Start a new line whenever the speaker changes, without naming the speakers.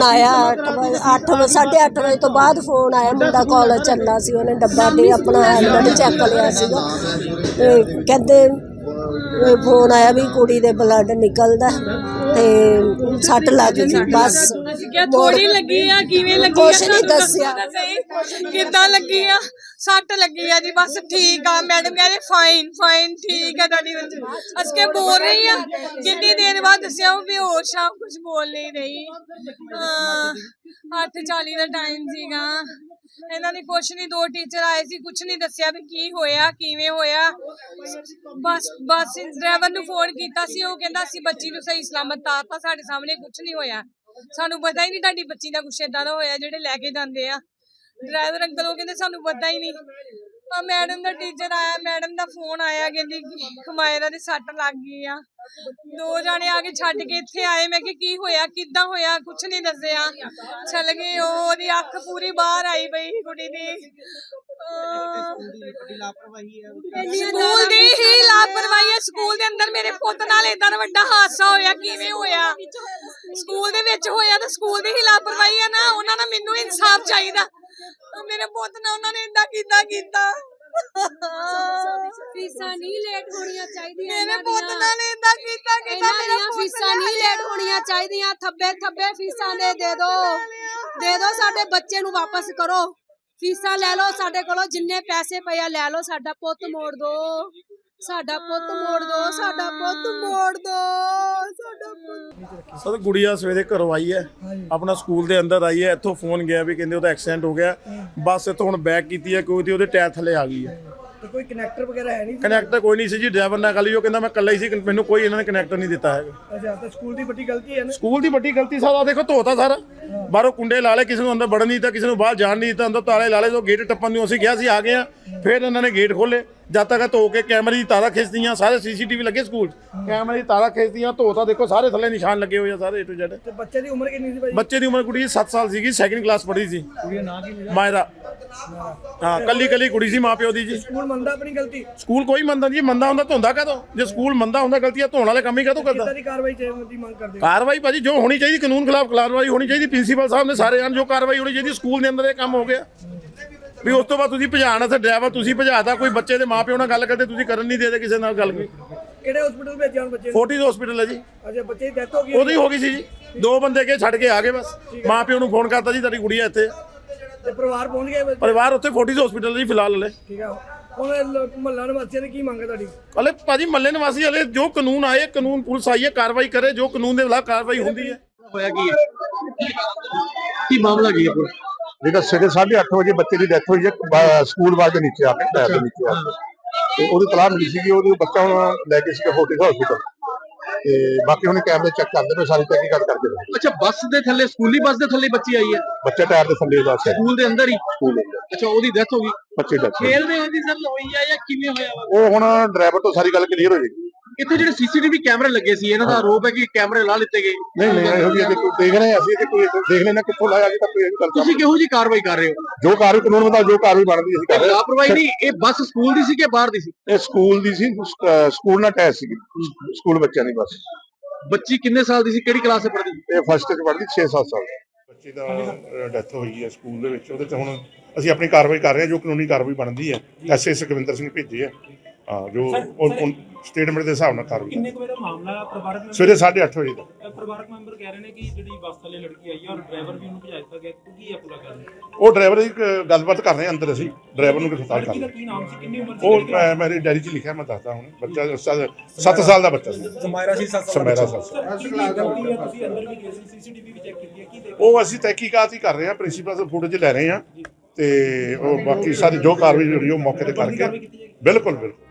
आया 8:30 बजे तो बाद फोन आया, मुंडा कॉलेज चलना सी, उन्हें डब्बा दे अपना हेलमेट चेक लिया सीगा ते कहते फोन आया भी कुड़ी दे ब्लड निकलदा ते सट लग गई। बस
थोड़ी लगी आ, किवें लगी
कुछ नहीं दसिया
किदां लगी आ, सट लगी आ जी। बस ठीक आ मैडम कह रहे फाइन फाइन ठीक है तुहाडी बच्ची। अस के बोल रही आ, कितनी देर बाद दसिया बेहोश आ, कुछ बोल नहीं रही। 8:40 ਦਾ ਟਾਈਮ ਸੀਗਾ, ਇਹਨਾਂ ਨੇ ਕੁਛ ਨਹੀਂ, 2 ਟੀਚਰ ਆਏ ਸੀ, ਕੁਛ ਨਹੀਂ ਦੱਸਿਆ ਵੀ ਕੀ ਹੋਇਆ ਕਿਵੇਂ ਹੋਇਆ। ਬਸ ਡਰਾਈਵਰ ਨੂੰ ਫੋਨ ਕੀਤਾ ਸੀ, ਉਹ ਕਹਿੰਦਾ ਅਸੀਂ ਬੱਚੀ ਨੂੰ ਸਹੀ ਸਲਾਮਤ ਤਾਰਤਾ, ਸਾਡੇ ਸਾਹਮਣੇ ਕੁਛ ਨਹੀਂ ਹੋਇਆ, ਸਾਨੂੰ ਪਤਾ ਹੀ ਨਹੀਂ ਤੁਹਾਡੀ ਬੱਚੀ ਦਾ ਕੁਛ ਏਦਾਂ ਦਾ ਹੋਇਆ। ਜਿਹੜੇ ਲੈ ਕੇ ਜਾਂਦੇ ਆ ਡਰਾਈਵਰ ਅੰਕਲ, ਉਹ ਕਹਿੰਦੇ ਸਾਨੂੰ ਪਤਾ ਹੀ ਨਹੀਂ। मैडम का टीचर आया, मैडम का फोन आया, कहती खमायरा दे सट लग गई आ। 2 जाने आके छड्ड के इत्थे आए, मैं कि होया किदां होया, कुछ नहीं दसिया, चल गए। ओदी अख पूरी बाहर आई पई कुड़ी दी। स्कूल दी ही लापरवाही है, स्कूल दे अंदर मेरे पुत्त नाल इदां दा वड्डा हादसा होया, किवें होया? स्कूल दे विच होया ते स्कूल दी ही लापरवाही है ना, उन्हां दा मैनूं इंसाफ चाहीदा। मेरे पुत्त ने उन्होंने इदा कीता
फीसां नहीं लेट होनियां चाहिदियां,
मेरे पुत्त ने इदा कीता
मेरा फीसां नहीं लेट होनियां चाहिदियां। थब्बे फीसां दे दो साडे बच्चे नूं वापस करो, फीसां ले लो साडे कोलों, जिन्ने पैसे पे ले लो, साडा पुत्त मोड़ दो, साडा पुत्त मोड़ दो, साडा पुत्त मोड़ दो, साडा पुत्त।
सर गुड़िया सवेरे घरों आई है, अपना स्कूल के अंदर आई है, इतों फोन गया भी कहते एक्सीडेंट हो गया, बस इतों हुण बैक की है, कोई तो टायर थले आ गई है।
तो कोई कनैक्टर वगैरह है नहीं?
कनैक्टर कोई नहीं सी जी, ड्राइवर नाल गल ही, कहता मैं कल्ला ही सी, मैनूं कोई इन्होंने कनैक्टर नहीं दिता है।
अच्छा, तो स्कूल की बड़ी गलती है ना?
स्कूल की बड़ी गलती सारा देखो धोता सारा, बाहरों कुंडे ला ले, किसी को अंदर बढ़न नहीं दिता, किसी को बाहर जान नहीं दिता, अंदर ताले ला ले, तो गेट टप्पन नूं असीं गया सी, आ गए हैं, फिर इन्होंने गेट खोले, जब तक धो के कैमरे की तारा खिंचदियां, सारे CCTV लगे स्कूल, कैमरे की तारा खिंचदियां, धोता देखो सारे थले निशान लगे हुए सारे A to Z।
तो बच्चे की उम्र कितनी सी?
बच्चे की उम्र कुड़ी 7 साल सी, 2nd क्लास पढ़ी सी, मायरा। हाँ, कली कुड़ी सी, माँ प्यो दी जी।
स्कूल मनदा अपनी गलती?
स्कूल कोई मनदा नहीं, मनदा हुंदा धोंदा कदों, जे स्कूल मनदा हुंदा गलतियां धोण वाले काम ही कदों करदा। कार्रवाई भाजी जो होनी चाहिए, कानून खिलाफ कार्रवाई होनी चाहिए, प्रिंसीपल साहब ने सारे जो कार्रवाई होनी चाहिए। स्कूल के अंदर ये काम हो गया भी, उस तो बाद तुसीं भजाना ते ड्राइवर तुसीं भजाता, कोई बच्चे के माँ प्यो नाल गल करदे तुसीं करन नहीं देते किसी नाल गल भी।
किहड़े हॉस्पिटल भेजे हुण बच्चे?
फोर्टिस हॉस्पिटल है जी।
अच्छा, बच्चे की डेथ हो गई?
ओदी हो गई सी जी, 2 बंदे के छड्ड के आ गए, बस माँ प्यो नूं फोन करता जी तुहाडी गुड़िया इत्थे,
ते परिवार पहुंच गए?
परिवार उत्थे फोर्टिस हॉस्पिटल जी फिलहाल हले।
ठीक है, हुण मुहल्ला निवासियों की मंग है तुहाडी?
हले भाजी मल्ले निवासी हले जो कानून आए, कानून पुलिस आई है, कार्रवाई करे, जो कानून के खिलाफ कार्रवाई होंदी है।
होया की मामला की है?
जेह्ड़ा सवेरे 8:30 बजे बच्चे की डेथ हुई है, स्कूल वाल के नीचे आके, टायर के नीचे आके, तो वो तलाह मिली सी, वो बच्चा हम लैके फोर्टिस हॉस्पिटल, बाकी हमने कैमरे चेक करते पे, सारी तहकीकात करके रहे।
अच्छा, बस दे थल्ले, स्कूली बस दे थल्ले बच्ची आई है?
बच्चा टायर के थल्ले बस है,
स्कूल दे अंदर ही?
स्कूल अंदर।
अच्छा, ओदी डेथ हो गई?
बच्चे डेथ
खेलदे होंदी सर होई है या किवें होया?
वो हुण ड्राइवर तो सारी गल क्लीयर हो जाएगी।
इत्थे जिहड़े CCTV कैमरे लगे सी, इन्हां दा आरोप है कि कैमरे ला लिते गए।
नहीं ਇਹੋ ਜਿਹੀ अजे देख रहे हैं ਅਸੀਂ कि कोई देख लेना कित्थों लाया, अजे तक कोई गल
ਤੁਸੀਂ ਕਿਹੋ ਜੀ ਕਾਰਵਾਈ ਕਰ ਰਹੇ ਹੋ?
जो कार्रवाई कानून मुताबिक जो कार्रवाई बनती ਅਸੀਂ कर रहे हैं।
ਲਾਪਰਵਾਹੀ नहीं, ये बस स्कूल दी सी कि बाहर दी सी?
ਇਹ ਸਕੂਲ ਦੀ ਸੀ, ਸਕੂਲ ਨਾਲ ਅਟੈਚ ਸੀ, ਸਕੂਲ ਬੱਚਿਆਂ ਦੀ ਬਸ।
ਬੱਚੀ ਕਿੰਨੇ ਸਾਲ ਦੀ ਸੀ, ਕਿਹੜੀ ਕਲਾਸ 'ਚ ਪੜ੍ਹਦੀ?
ਇਹ ਫਸਟ 'ਚ ਪੜ੍ਹਦੀ, 6-7 ਸਾਲ ਦੀ।
ਬੱਚੇ ਦਾ ਡੈਥ ਹੋਈ ਹੈ ਸਕੂਲ ਦੇ ਵਿੱਚ, ਉਹਦੇ 'ਚ ਹੁਣ ਅਸੀਂ ਆਪਣੀ ਕਾਰਵਾਈ ਕਰ ਰਹੇ ਹਾਂ, ਜੋ ਕਾਨੂੰਨੀ ਕਾਰਵਾਈ ਬਣਦੀ ਹੈ। ਐਸਏ ਸੁਖਵਿੰਦਰ ਸਿੰਘ ਭੇਜੇ ਹੈ, ਹਾਂ, ਜੋ ਸਟੇਟਮੈਂਟ ਦੇ ਹਿਸਾਬ ਨਾਲ ਕਾਰਵਾਈ।
ਕਿੰਨੇ ਕੁ ਵਜੇ ਦਾ ਮਾਮਲਾ? ਪਰਿਵਾਰਕ ਮੈਂਬਰ
ਸਵੇਰੇ 8:30 ਵਜੇ ਦਾ।
ਪਰਿਵਾਰਕ ਮੈਂਬਰ ਕਹਿ ਰਹੇ ਨੇ ਕਿ ਜਿਹੜੀ ਬੱਸ ਥੱਲੇ ਲੜਕੀ ਆਈ ਹੈ ਔਰ ਡਰਾਈਵਰ ਵੀ ਉਹਨੂੰ ਭਜਾ ਦਿੱਤਾ ਗਿਆ, ਕੀ ਹੈ ਪੂਰਾ ਗੱਲ?
ਉਹ ਡਰਾਈਵਰ ਦੀ ਗੱਲਬਾਤ ਕਰ ਰਹੇ ਹਾਂ ਅੰਦਰ, ਅਸੀਂ ਡਰਾਈਵਰ ਨੂੰ ਗ੍ਰਿਫਤਾਰ ਕਰ
ਲੜਕੀ ਦਾ
ਲਿਆ।
ਕੀ ਨਾਮ ਸੀ, ਕਿੰਨੀ ਉਮਰ ਸੀ?
ਉਹ ਮੇਰੀ ਡਾਇਰੀ 'ਚ ਲਿਖਿਆ, ਮੈਂ ਦੱਸਦਾ ਹੁਣ। ਬੱਚਾ 7 ਸਾਲ ਦਾ ਬੱਚਾ ਸੀ,
समायरा सी 7
ਸਮੈਰਾ
साल।
7 ਸਾਲ।
ਤੁਸੀਂ ਅੰਦਰ ਵੀ ਗਏ ਸੀ, CCTV ਵੀ ਚੈੱਕ ਕੀਤੀ ਹੈ, ਕੀ ਦੇਖਿਆ?
ਉਹ ਅਸੀਂ ਤਹਿਕੀਕਾਤ ਹੀ ਕਰ ਰਹੇ ਹਾਂ, ਪ੍ਰਿੰਸੀਪਲ ਤੋਂ ਫੁਟੇਜ ਲੈ ਰਹੇ ਹਾਂ, ਤੇ ਉਹ ਬਾਕੀ ਸਾਰੀ ਜੋ ਕਾਰਵਾਈ ਜਿਹੜੀ ਉਹ ਮੌਕੇ ਤੇ ਕਰਕੇ। ਬਿਲਕੁਲ ਬਿਲਕੁਲ।